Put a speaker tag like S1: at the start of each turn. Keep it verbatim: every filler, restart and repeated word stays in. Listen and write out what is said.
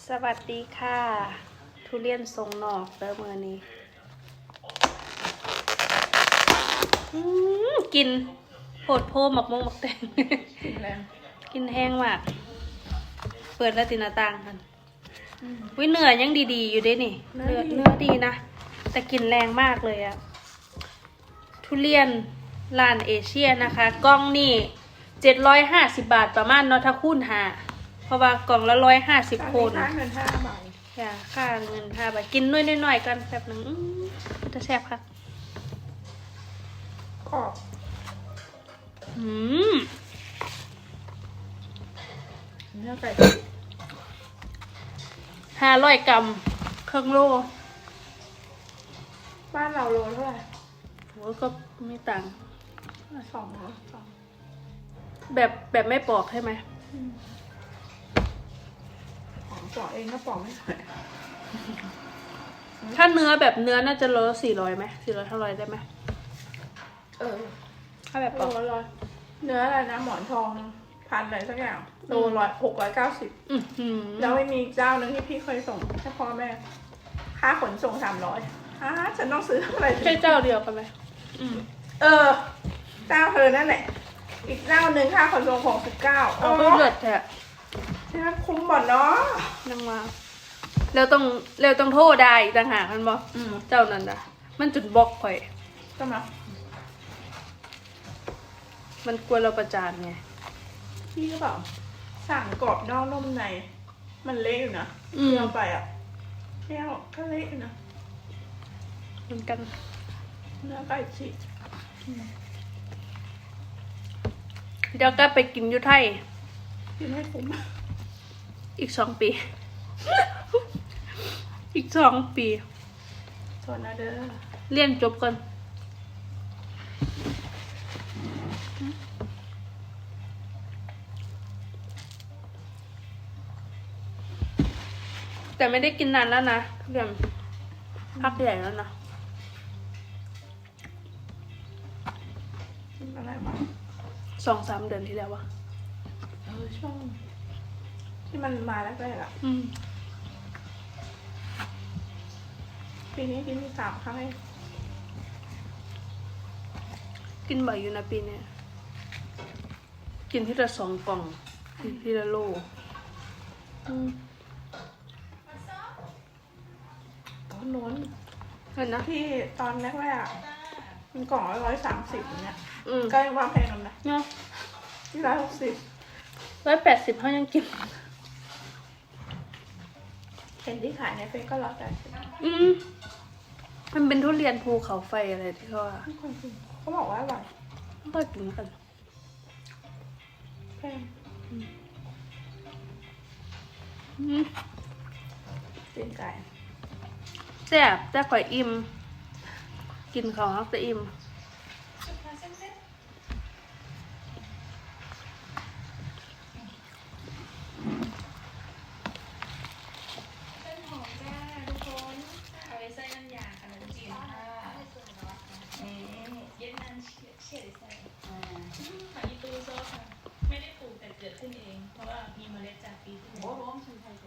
S1: สวัสดีค่ะทุเรียนทรงนอกเด้อมื้อนี้กินโผดโพหมักมงหมักแตง
S2: กินแรง
S1: กินแห้งมากเปิดแล้วติหน้าต่างกันวิเนื้อยังดีๆอยู่เด้นี่เนื้อเนื้อดีนะแต่กินแรงมากเลยอะทุเรียนร้านเอเชียนะคะกล่องนี่เจ็ดร้อยห้าสิบบาทประมาณเนาะถ้าคูณหาเพราะว่ากล่องละร้อยห้าสิบคน
S2: ค่าเงินห้าบาท
S1: อย่าค่าเงินห้าบาทกินน้อยๆหน่อยๆกันแบบหนึ่งจะแซ่บค่ะ
S2: กรอบ
S1: อืม
S2: เนื้อไก่
S1: ห้าร้อยกรัมครึ่งโล
S2: บ้านเราโลเท่าไหร่
S1: โหก็ไม่ต่าง
S2: สองเหรอสอง
S1: แบบแบบไม่ปอกใช่ไหม
S2: ของปอกเองก็ปอกไม่ไหว
S1: ถ้าเนื้อแบบเนื้อน่าจะโลสี่ร้อยไหมสี่ร้อยเท่าไรได้ไหม
S2: เออ
S1: ถ้าแบบป
S2: โล
S1: อก
S2: ร้อยเนื้ออะไรนะหมอนทองพันอะไรสักอย่างโลร้อยหกร้อยเก้าสิบ
S1: อือหือ
S2: แล้วไม่มีเจ้าหนึ่งที่พี่เคยส่งให้พ่อแม่ค่าขนส่งสามร้อยอ่าฉันต้องซื้อเท่าไหร่
S1: ใช่เจ้าเดียวกันไหมอืม
S2: เออเจ้าเธอนั่นแหละอีกเจ้าหนึ่งค่าขนส่งหกสิบเก้า
S1: เอาก็เลือดแท้
S2: ใช่ไหมคุ้มบ่อนเนาะ
S1: นั่งมาแล้วต้องแล้วต้องโทษได้อีกต่างหากมันบอก
S2: อืม
S1: เจ้านั่นนะมันจุดบล็อกข่อย
S2: ใช่ไหม
S1: มันกลัวเราประจานไง
S2: พี่ก็บอกสั่งกรอบนอกนุ่มใน มันเละอยู่นะ
S1: อืม
S2: เที่ยวไปอ่ะเที่ยวก็เละอยู่นะ
S1: เหมือนกัน
S2: เนื้อไก่ฉีก
S1: เดี๋ยวก็ไปกินอยุไทย
S2: กินให้คุ้ม
S1: อีกสองปี อีกสองปี
S2: โทษนะเด้อ
S1: เรียนจบก่อนแต่ไม่ได้กินนานแล้วนะเรียนพักใหญ่แล้วนะ
S2: กินอะไรบ้าง
S1: สองสามเดือนที่แล้ววะ
S2: เออช่วงที่มันมาแรกๆอ่ะ
S1: อืม
S2: ปีนี้กินสามครั้งเอง
S1: กินบ่อยอยู่นะปีเนี้ยกินที่ละสองกล่องที่ที่ละโลอืม
S2: ตอนโน้น
S1: เห็นนะ
S2: ที่ตอนแรกๆอะมันกล่องละร้อยสามสิบเนี่ย
S1: อืม
S2: ก็ยังว่าแพงกันนะ
S1: เนาะ
S2: ที่ร้อยหกสิบ
S1: ร้อยแปดสิบเขายังกิน
S2: เห็นที่ขายในเฟซก็ร้อยแปดสิบ
S1: อืมมันเป็นทุเรียนภูเขาไฟอะไรที่เขาว่า
S2: ไม่ควรกินเขาบอกว่าอร่อย
S1: ไม่ค่อยกินกัน
S2: แพง
S1: อืม
S2: ตีนไก่
S1: แซ่บแต่ข่อยอิ่มกินของแล้วจะอิ่ม
S3: ต้นหอมจ้าทุกคนเอาไว้ใส่น้ำยาขนมจีนค่ะนี่เย็นนันเฉียดเฉียดใส่อ่าหาอีตูซอสค่ะไม่ได้ปลูกแต่เกิดขึ้นเอง เพราะว่ามีเมล็ดจากปีที่แล้ว